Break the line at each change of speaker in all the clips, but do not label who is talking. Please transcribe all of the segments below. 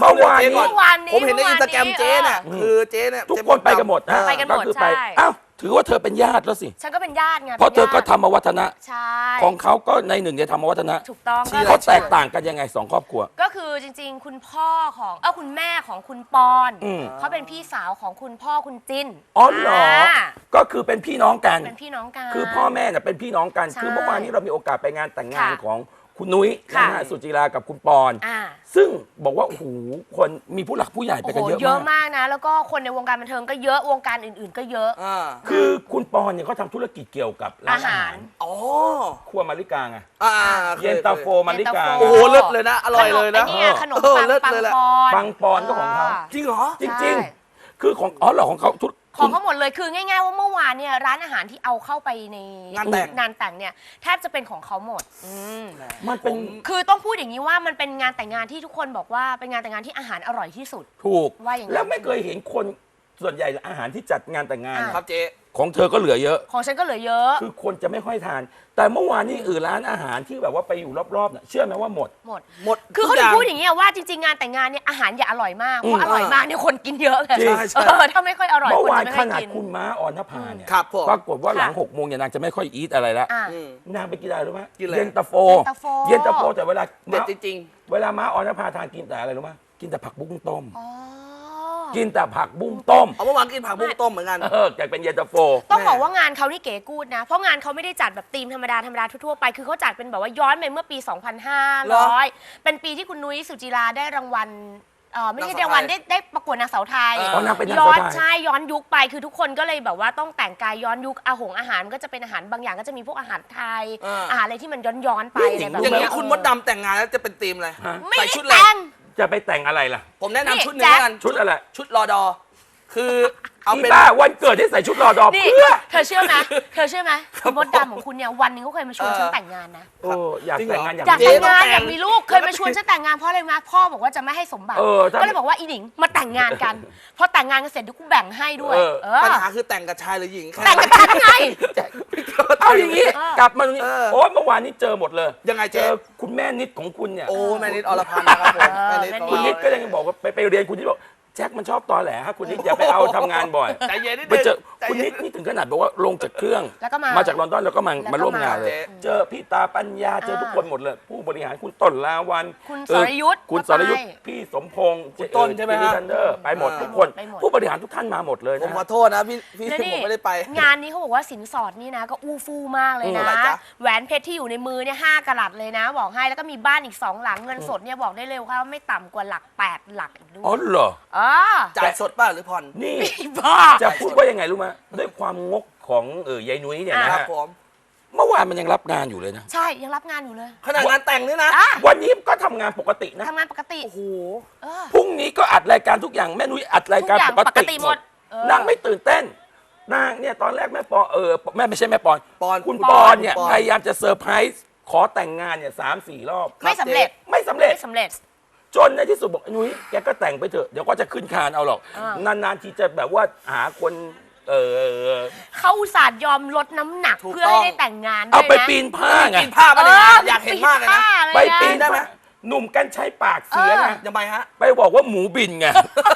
เมื่อวานนี้
ผมเห็นในอินสตาแกรมเจ๊เนี่ยคือเจ๊เนี่ย
ทุกคนไปกันหมดนะ
ไปกันหมด
คือ
ใช่
อ้าวถือว่าเธอเป็นญาติแล้วสิ
ฉันก็เป็นญาติไง
เพราะเธอก็ธรรมวัฒนะ
ใช่
ของเขาก็ในหนึ่งในธรรมวัฒนะ
ถูกต้อง
เขาแตกต่างกันยังไงสองครอบครัว
ก็คือจริงๆ คุณพ่อของคุณแม่ของคุณปอน เขาเป็นพี่สาวของคุณพ่อคุณจิ้น
อ๋อเหรอก็คือเป็นพี่น้องกัน
เป็นพี่น้องกัน
คือพ่อแม่เนี่ยเป็นพี่น้องกัน
ใช่
คือเมื่อวานนี้เรามีโอกาสไปงานแต่งงาน
ค่ะ
ของคุณนุ้ย
ค่ะ
นะฮะสุจิรากับคุณปอน
อ่า
ซึ่งบอกว่าโอ้โหคนมีผู้หลักผู้ใหญ่ไป
โอ้
กัน
โห
เยอะ
เยอะ
มาก
มากนะ แล้วก็คนในวงการบันเทิงก็เยอะวงการอื่นๆ ก็เยอะ
คือคุณปอนเนี่ยเขาทำธุรกิจเกี่ยวกับร้านอาหาร
อ๋อ
ครัวมาริกาไง
เค
เย็นตาโฟมาริกา
โอ้โหเลิศเลยนะอร่อยเลยนะ
ไอ้นี่ขนมปัง
เลิศ
ปัง
เลยแหละ
ปอน
ปังปอนก็ของเขา
จริงเหรอ
จริงๆ คือของเหรอของเขาทุก
ของเขาหมดเลยคือง่ายๆว่าเมื่อวานเนี่ยร้านอาหารที่เอาเข้าไปใน
งานแต่ง
เนี่ยแทบจะเป็นของเขาหมด
มันเป็น
คือต้องพูดอย่างนี้ว่ามันเป็นงานแต่งงานที่ทุกคนบอกว่าเป็นงานแต่งงานที่อาหารอร่อยที่สุด
ถูก
ว่าอย่างนั้น
แล้วไม่เคยเห็นคนส่วนใหญ่อาหารที่จัดงานแต่งงาน
ครับเจ๊
ของเธอก็เหลือเยอะ
ของฉันก็เหลือเยอะ
คือคนจะไม่ค่อยทาน แต่เมื่อวานนี้ร้านอาหารที่แบบว่าไปอยู่รอบๆเนี่ยเชื่อไหมว่าหมด
หมด
หมด
คือเขาถึงพูดอย่างนี้ว่าจริงๆงานแต่งงานเนี่ยอาหารอย่าอร่อยมากเพราะอร่อยมากเนี่ยคนกินเยอะไง
จริง
ถ้าไม่ค่อยอร่อย
เมื่อ
คน
วาน
จะไม่
ข
ค่อย
นาด
กิน
คุณม้าออนภาเนี่ย
ครับผม
ปรากฏว่าหลัง
ค่ะ
6 โมงเนี่ยนางจะไม่ค่อยอีทอะไรแล้ว
อ่ะ
นางไปกินอะไรรู้ไหม
กินอะไร
เย็นตาโฟ
เย็นตาโฟ
เย็นตาโฟแต่เวลา
เด็ดจริง
เวลาม้าออนภาทานกินแต่อะไรรู้ไหมกินแต่ผักบุ้งต้ม
อ๋อ
กินแต่ผักบุ้งต้ม
ๆเอาเมื่อวานกินผักบุ้งต้มเหมือนกัน
แกเป็นเย็นตาโฟ
ต้องบอกว่างานเขานี่เก๋กูดนะ เพราะงานเขาไม่ได้จัดแบบธีมธรรมดาทั่วๆไป คือเขาจัดเป็นแบบว่าย้อนไปเมื่อปี
เหรอ
2500 เป็นปีที่คุณนุ้ยสุจิราได้รางวัลไม่ใช่รางวัลได้ประกวดนางสาวไทย
อ๋อนางเป็นนาง
ย้
สา
อ
วน ไทย
ใช่ย้อนยุคไปคือทุกคนก็เลยแบบว่าต้องแต่งกายย้อนยุคอาหารมันก็จะเป็นอาหารบางอย่างก็จะมีพวกอาหารไทย อาหารอะไรที่มันย้อนไปอะไรแบบ
อย่าง
นี้
นี้คุณมดดำแต่งงานแล้วจะเป็นธีมอะไร
ไม่
ใส่
ได้
ชุดอะไร
แต่ง
จะไปแต่งอะไรล่ะ
ผมแนะนำชุดหนึง
นี่
แล้วกัน
ชุดอะไร
ชุดรอดอ คือเอา
อี
เป็น
บ้าวันเกิดให้ใส่ชุดรอดอ
นี่
เพื่อ
เธอเชื่อไหมคุณมดดำของคุณเนี่ยวันหนึงเขาเคยมาชวนฉันแต่งงานนะ
โอ้อยากแต่งงานอยาก
อยาก
มี
แต่ง
ลูก
งานอยากมีลูกเคยมาชวนฉันแต่งงานเพราะอะไรมาพ่อบอกว่าจะไม่ให้สมบัติ
ถ้า
ก็เลยบอกว่าอีหนิงมาแต่งงานกันพอแต่งงานกันเสร็จเดี๋ยวกูแบ่งให้ด้วย
ปัญหาคือแต่งกับชายหรือหญิงค่
แต่งกับฉันไง
เอาอย่างนี้
เออ
กลับมาตรงนี้
เออ
โอ้ยเมื่อวานนี้เจอหมดเลย
ยังไง
เจ
เจ๊
อคุณแม่นิดของคุณเนี่ย
โอ้แม่นิดอรพันธ์นะครับผมแม่นิด
คุณนิดก็ยังบอกว่าไปเรียนคุณนิดบอกแจ็คมันชอบตอแหลฮะคุณนิดอย่าไปเอาทำงานบ่อย
ใจเย็นนิด
ไป
นึง
เจอ
ใจ
คุณ
เย็
นิดนี่ถึงขนาดบอกว่าลงจากเครื่อง
แล้วก็มา
จากลอนดอนแล้วก็มาร่วมงานเลย
เจ๊
เจอพี่ตาปัญญาเจอทุกคนหมดเลย ผู้บริหารคุณต้นลาวัน
คุณสรยุทธ์
คุณ
ก็
สรยุทธ์
ไป
พี่สมพงษ์
คุณต้นใช่ไหมฮะ
ทันเดอร์ไปหมดทุกคน
ไปหมด
ผู้บริหารทุกท่านมาหมดเลย
ผม
นะ
ขอโทษนะพี่
แล้ว
ผมไม่ได้ไป
งานนี้เขาบอกว่าสินสอดนี่นะก็อู้ฟู่มากเลยนะ
เท่าไหร่จ๊ะ
แหวนเพชรที่อยู่ในมือเนี่ย5 กะรัตเลยนะ บอกให้แล้วก็มีบ้านอีก 2 หลังเงินสดเนี่ยบอกได้เลยว่าไม่ต่ำกว่าหลัก 8 หลักอีกด้วย
อ๋อเหรอ
จ่ายสดป่ะหรือผ่อน
นี่
บ้า
จะพูดว่ายังไงรู้ไหมด้วยความงกของยายนุ้ยเนี่ยนะ
ครั
ฮะ
บผม
เมื่อวานมันยังรับงานอยู่เลยนะ
ใช่ยังรับงานอยู่เลย
ขนาดงานแต่งนี่นะ
วันนี้ก็ทำงานปกตินะ
ทำงานปกติ
โอ้โห
เออ
พรุ่งนี้ก็อัดรายการทุกอย่างแม่นุ้ยอัดรายการ
ทุกอย่าง
ปกติ
ปกติ
ห
ห
ม
ม
ด
ด
นางไม่ตื่นเต้นนางเนี่ยตอนแรกแม่ปอนแม่ไม่ใช่แม่ปอน
ปอน
คุณ
ปอน
ปอนเนี่ย
ปอน
พยายามจะเซอร์ไพรส์ขอแต่งงานเนี่ย3-4 รอบ
ไม่สำเร็จ
ไม่สำเร็จ
ไม่สำเร็จ
จนในที่สุดบอกนุ้ยแกก็แต่งไปเถอะเดี๋ยวก็จะขึ้นคานเอาหรอก
อ่าน
านๆทีจะแบบว่าหาคน
เขาอุตส่าห์ยอมลดน้ำหนัก
ถูก
เพื่อให้
ต้อง
ได้แต่งงาน
เอา
ด้วย
ไป
นะ
ปีนผ้าไง
กินผ้ามาเลยนะอยากเห็นมากเลยนะ
ไปปีน
ได้ไหม
ผ้าหนุ่มกันใช้ปากเสียไง
ยังไงฮะ
ไปบอกว่าหมูบินไง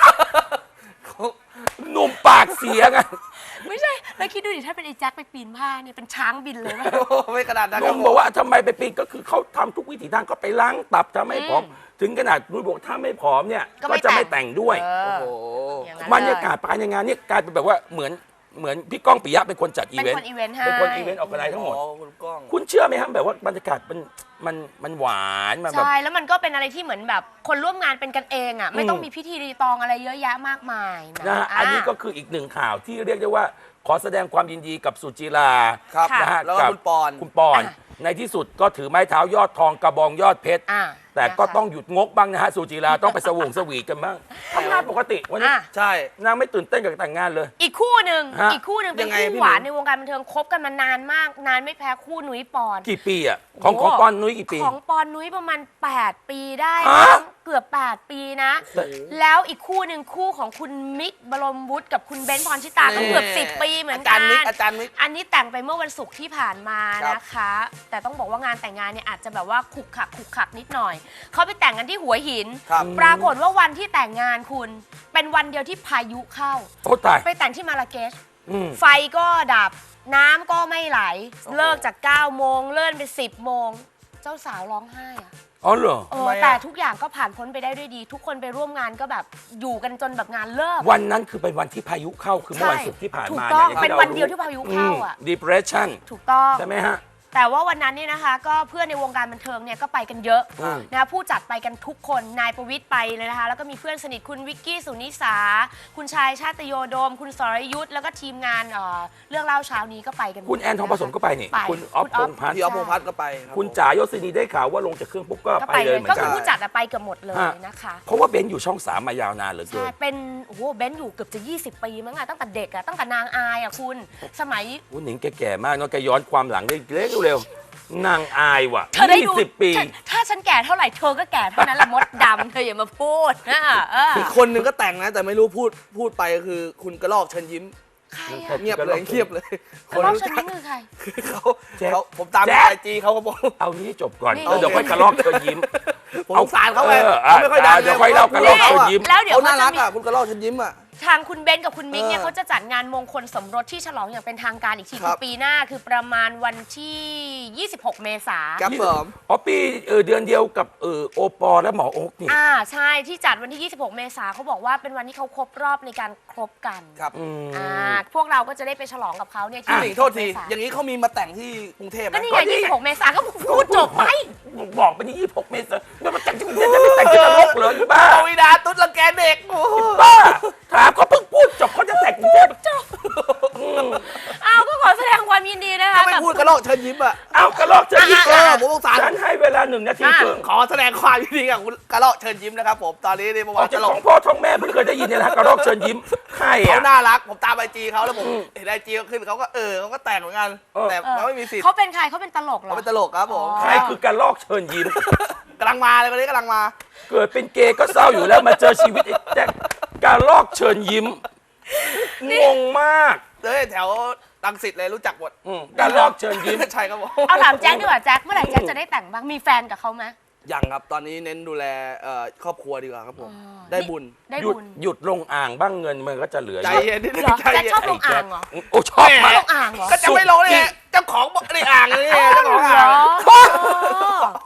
หนุ่มปากเสียไง
ไม่ใช่แล้วคิดดูดิถ้าเป็นไอ้แจ็คไปปีนผ้าเนี่ยเป็นช้างบินเลย
โอ้โหไม่ขนาดนั้น
ห
ครั
นุ่
บ
ม
ผม
บอกว่าทำไมไปปีนก็คือเขาทำทุกวิถีทางก็ไปล้างตับทำให้ผอมถึงขนาดนุ้ยบอกถ้าไม่ผอมเนี่ยก็จะไม่แต่งด้วย
โอ้โห
อย่างนั้น
บรรยากาศภายในงานเนี่ยกลายเป็นแบบว่าเหมือนพี่ก้องปิยะเป็นคนจัดอี
เป็น
เวน
ค
ต์
นอีเวนต์ให้
เป็นคนอีเวนต์ออกอะไรทั้งหมด
อ๋อคุณก้อง
คุณเชื่อไหมครับแบบว่าบรรยากาศมันหวานมันแบบ
ใช่แล้วมันก็เป็นอะไรที่เหมือนแบบคนร่วมงานเป็นกันเองอ่ะไม่ต้องมีพิธีรีตองอะไรเยอะแยะมากมาย
นะฮะอันนี้ก็คืออีกหนึ่งข่าวที่เรียกได้ว่าขอแสดงความยินดีกับสุจิรา
ครับ
นะฮะ
แล้วก็
กับ
คุณปอน
คุณปอน ในที่สุดก็ถือไม้เท้ายอดทองกระบองยอดเพชร
อ่า
แต่ก็ต้องหยุดงกบ้างนะฮะสุจิราต้องไปสวงสวีทกันบ้างทำงานปกติวันนี้
อ่ะ
ใช่
นางไม่ตื่นเต้นกับแต่งงานเลย
อีกคู่หนึ่ง
ฮะ
อีกคู่หนึ่งเป็น
ยังไง
คู่
พี่
หวาน
หนุ่ม
ในวงการบันเทิงคบกันมานานมากนานไม่แพ้คู่นุ้ยปอน
กี่ปีอ่ะของปอนนุ้ยกี่ปี
ของปอนนุ้ยประมาณ8 ปีได้
ฮะ
มั้งเกือบ 8 ปีนะ แล้วอีกคู่หนึ่งคู่ของคุณมิกบรมวุฒิกับคุณเบนซ์พรชิตาก็เกือบ 10 ปีเหมือนกัน
อาจารย์มิก
อันนี้แต่งไปเมื่อวันศุกร์ที่ผ่านมา
ครับ
นะคะ แต่ต้องบอกว่างานแต่งงานเนี่ยอาจจะแบบว่าขลุกขลักนิดหน่อยเขาไปแต่งกันที่หัวหิน
ครับ
ปรากฏว่าวันที่แต่งงานคุณเป็นวันเดียวที่พายุเข้า
โอ้ตาย
ไปแต่งที่มาราเกช
อืม
ไฟก็ดับน้ำก็ไม่ไหล
โอ้โห
เลิกจาก 9 โมงเลื่อนไป 10 โมง เจ้าสาวร้องไห้อะ
อ๋อเหรอ
ทำไมอะ
แต่ทุกอย่างก็ผ่านพ้นไปได้ด้วยดี ทุกคนไปร่วมงานก็แบบอยู่กันจนแบบงานเลิก
วันนั้นคือเป็นวันที่พายุเข้าคือเมื่อวันศุกร์ที่ผ่าน
ถูก
มา
ต้อง
ย่า
เป็น
รา
วันเดียวที่พายุเข้าอ่ะ
depression
ถูกต้อง
ใช่ไหมฮะ
แต่ว่าวันนั้นเนี่ยนะคะ ก็เพื่อนในวงการบันเทิงเนี่ยก็ไปกันเยอะ
อืม
นะคะผู้จัดไปกันทุกคนนายประวิตรไปเลยนะคะ แล้วก็มีเพื่อนสนิทคุณวิกกี้สุนิสา คุณชายชาติโยโดม คุณสรยุทธแล้วก็ทีมงานเรื่องเล่าเช้านี้ก็ไปกันหมด
คุณแอนทองผสมก็ไปนี่
ไป
คุณอ๊อฟพงษ์พัฒน์
พี่อ๊อฟพงษ์พัฒน์ก็ไปรับ
คุณจ๋ายศินีได้ข่าวว่าลงจากเครื่องปุ๊บก็
ก็
ไป
ไป
เล
เลย ย
เหมือ
ก็
น
คื
กั
อน ผู้จัดอะไปเกือบหมดเลย
ฮะ
นะคะ
เพราะว่าเบนซ์อยู่ช่อง 3 มายาวนานเหลือเกิ
ใช่
น
เป็นโอ้โหเบนซ์อยู่เกือบจะ 20 ปีมั้งอะตั้งแต่เด็กอะตั้งแต่นางอายอะคุณสมัย
คุณหนิงแกแก่มากเนาะแกย้อนความหลังได้เร็วๆนางอายว่ะ
เธอได้ดู
20 ปี
ถ้าฉันแก่เท่าไหร่เธอก็แก่เท่านั้นแหละมดดำเธออย่ามาพูดนะ
อีกคนนึงก็แต่งนะ แต่ไม่รู้พูดไปคือคุณกระลอกเชิญยิ้ม
ใคร
ครั
อะ
บ
เงียบเลยเงียบเลย
กระรอกฉันนี่คือใคร
เขา
แจ็ค
เขาผมตาม
แจ็ค
ไอจีเขาก็บอก
เอานี้จบก่อน
นี่
แล้วเดี๋ยวค่อยกระลอกเธอยิ้ม
ผมสงสารเขาไง
เอา
เขาไม่ค่อยดัง
เดี๋ยวค่อยเล่ากระรอกเชิญยิ้ม
แล้วเดี๋ยว
เขา
เขา
น่า
จะ
รัก
มี
อ่ะคุณกระลอกเชิญยิ้มอ่ะ
ทางคุณเบนซ์กับคุณมิกเนี่ย
เออ
เขาจะจัดงานมงคลสมรสที่ฉลองอย่างเป็นทางการอีกที
ครั
คือบ ปีหน้าคือประมาณวันที่ 26 เมษา
ครับผม
อ๋อปีเดือนเดียวกับโอปอและหมอโอ๊กนี่
ใช่ที่จัดวันที่ 26 เมษาเขาบอกว่าเป็นวันที่เขาครบรอบในการคบกัน
ครับ
พวกเราก็จะได้ไปฉลองกับเขาเนี่ย
พี่
ที่
หนิงโทษที อย่างนี้เขามีมาแต่งที่กรุงเทพไหม
ก็นี่ไง26 เมษาก็พูดจบไป
บอกไปนี่26 เมษายนแล้วมันแต่งที่กรุงเทพจะไม่แต่งที่นรกเหรอหรือบ้า
ปวีดาตุ๊ดรังแกเด็กโอ้โห
บ้าถามเขาเพิ่งพูดจบเขาจะแต่งกรุงเทพจบ
ก็ขอแสดงความยินดีนะคะ
ถ้าไม่พูดกระลอกเชิญยิ้มอ่ะ
เอากระลอกเชิญยิ้ม
ผมสงสาร
ฉันให้เวลา1 นาทีครึ่ง
ขอแสดงความยินดีกับคุณกระลอกเชิญยิ้มนะครับผมตอนนี้ในประ
อ
วั
อก
ติ
จาก
กระล
ข
อก
องพ่อท้องแม่เพิ่งเคยได้ยินเนี่ยนะกระลอกเชิญยิ้มใคร
เขา
อ่ะ
น่ารักผมตามไอจีเขาแล้วผมเห็นไอจีเขาขึ้นเขาก็เขาก็แต่งเหมือนกัน แต่เขาไม่มีสิทธิ์
เขาเป็นใครเขาเป็นตลกเหรอ
เขาเป็นตลกครับผม
ใครคือกระลอกเชิญยิ้ม
กำลังมาเลยคนนี้กำลังมา
เกิดเป็นเกย์ก็เศร้าอยู่แล้วมาเจอชีวิตไอ้แจ็คกระลอกเชิญยิ้มงงมาก
เลยแถวรังสิตเลยรู้จักหมด
กระลอกเชิญยิ้ม
ใช่ครับผม
เอาถามแจ็คดีกว่าแจ็คเมื่อไหร่แจ็คจะได้แต่งบ้างมีแฟนกับเขาไหม
ยังครับตอนนี้เน้นดูแลครอบครัวดีกว่าครับผม ได้บุญ
ได้
หยุด
บุญ
หยุดลงอ่างบ้างเงินมันก็จะเหลือ
ใจ
เยอะ
เย็นนิดนึง
เหรอ
ใจ
แจ็ค
เย็น
ชอบลงอ่างเหรอ
โอ้ชอบมาก
ลงอ่างเหรอ
ก็จะไม่ลงเลยเจ้าของบอกในอ่างเลยเจ้าของอ่าง
เหรอ